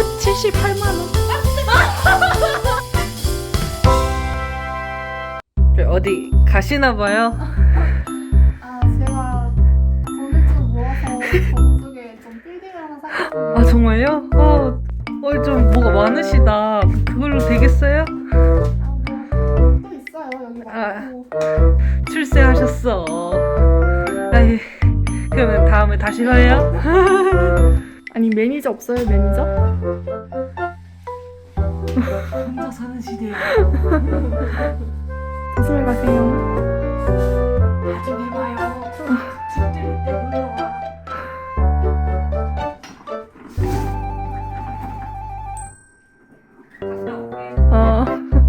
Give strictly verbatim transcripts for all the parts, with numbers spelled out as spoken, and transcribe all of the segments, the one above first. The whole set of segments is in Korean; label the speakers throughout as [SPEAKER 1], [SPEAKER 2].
[SPEAKER 1] 칠십팔만 원. 어디 가시나봐요?
[SPEAKER 2] 아 제가 돈을 좀 모아서 저쪽에 좀 빌딩을 하나 사겠습니다.
[SPEAKER 1] 아 정말요? 어, 어, 좀 뭐가 많으시다. 그걸로 되겠어요?
[SPEAKER 2] 아뭐또 있어요 여기
[SPEAKER 1] 아.
[SPEAKER 2] 많고.
[SPEAKER 1] 출세하셨어. 아이, 그러면 다음에 다시 봐요.
[SPEAKER 2] 아니 매니저 없어요 매니저?
[SPEAKER 1] 혼자 사는 시대에
[SPEAKER 2] 조심히 가세요.
[SPEAKER 1] 나중에 봐요. 집들이 때 놀러와.
[SPEAKER 2] 어.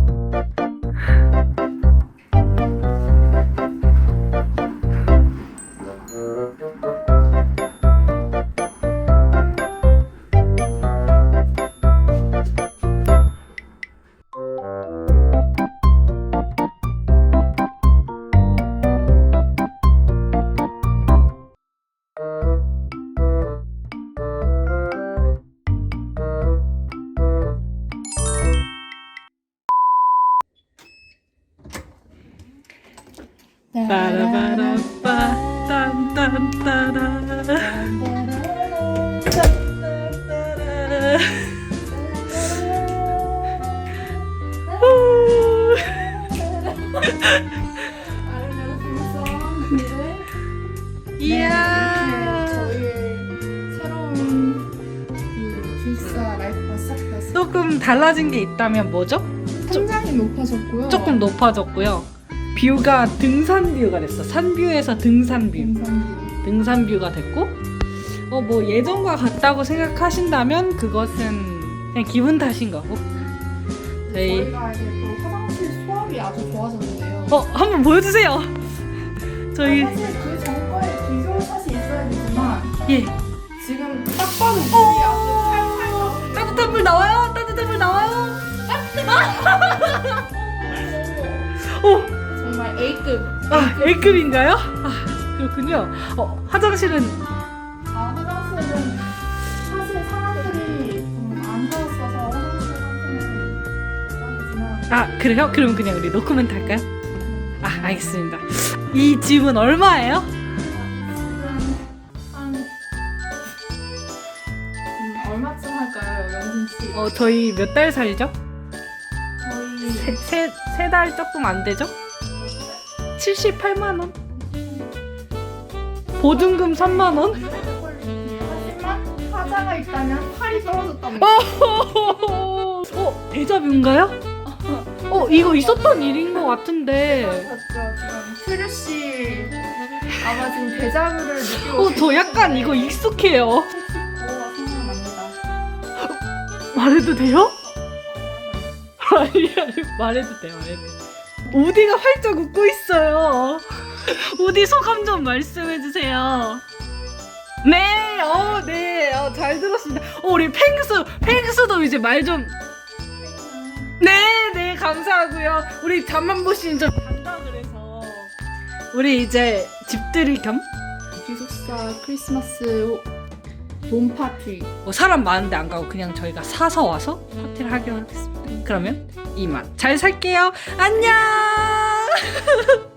[SPEAKER 1] 빠라바라빠 딴딴따라 이야,
[SPEAKER 2] 저희의 새로운 그 기숙사 라이프가 시작되었어요.
[SPEAKER 1] 조금 달라진 게 있다면 뭐죠?
[SPEAKER 2] 천장이 높아졌고요.
[SPEAKER 1] 조금 높아졌고요. 뷰가 등산 뷰가 됐어. 산 뷰에서 등산 뷰.
[SPEAKER 2] 등산뷰.
[SPEAKER 1] 등산 뷰가 됐고, 어 뭐 예전과 같다고 생각하신다면 그것은 그냥 기분 탓인 거고. 저희
[SPEAKER 2] 저희가 이제 또 화장실 수압이 아주 좋아졌는데요.
[SPEAKER 1] 어 한번 보여주세요. 저희
[SPEAKER 2] 사실 그 전과에 비교샷이 있어야 되지만
[SPEAKER 1] 예
[SPEAKER 2] 지금 딱 봐도 물이 아주 팔팔 나오고
[SPEAKER 1] 따뜻한 물 나와요. 따뜻한 물 나와요. 오,
[SPEAKER 2] 정말 A급.
[SPEAKER 1] 아 A급인가요? 아 그렇군요. 어 화장실은
[SPEAKER 2] 아 화장실은 사실 사람들이 좀 안 살았어서 화장실 상태는 아니지만
[SPEAKER 1] 아 그래요? 그럼 그냥 우리 노코멘트 할까요? 아 알겠습니다. 이 집은 얼마예요?
[SPEAKER 2] 지금 한 음, 얼마쯤 할까요, 연진 씨?
[SPEAKER 1] 어 저희 몇 달 살죠?
[SPEAKER 2] 저희
[SPEAKER 1] 세세 달 조금 안 되죠? 칠십팔만 원. 보증금 삼만 원.
[SPEAKER 2] 하지만 하자가 있다면 팔이 떨어졌답니다.
[SPEAKER 1] 어 데자뷰인가요? 어 이거 있었던 일인 것 같은데.
[SPEAKER 2] 맞죠? 지금 트류 씨 아마 지금 데자뷰를 느끼고
[SPEAKER 1] 어 저 약간 이거 익숙해요.
[SPEAKER 2] 칠십오가 생각납니다.
[SPEAKER 1] 말해도 돼요? 아니 아니 말해도 돼 말해도 돼. 우디가 활짝 웃고 있어요. 우디 소감 좀 말씀해 주세요. 네, 어, 네, 어, 잘 들었습니다. 어, 우리 펭수, 펭수도 이제 말 좀. 네, 네, 감사하고요. 우리 잠만보 씨는 좀 간다 그래서 우리 이제 집들이 겸
[SPEAKER 2] 기숙사 크리스마스 봄 파티.
[SPEAKER 1] 뭐 사람 많은데 안 가고 그냥 저희가 사서 와서 파티를 하기로 하겠습니다. 그러면 이만 잘 살게요. 안녕.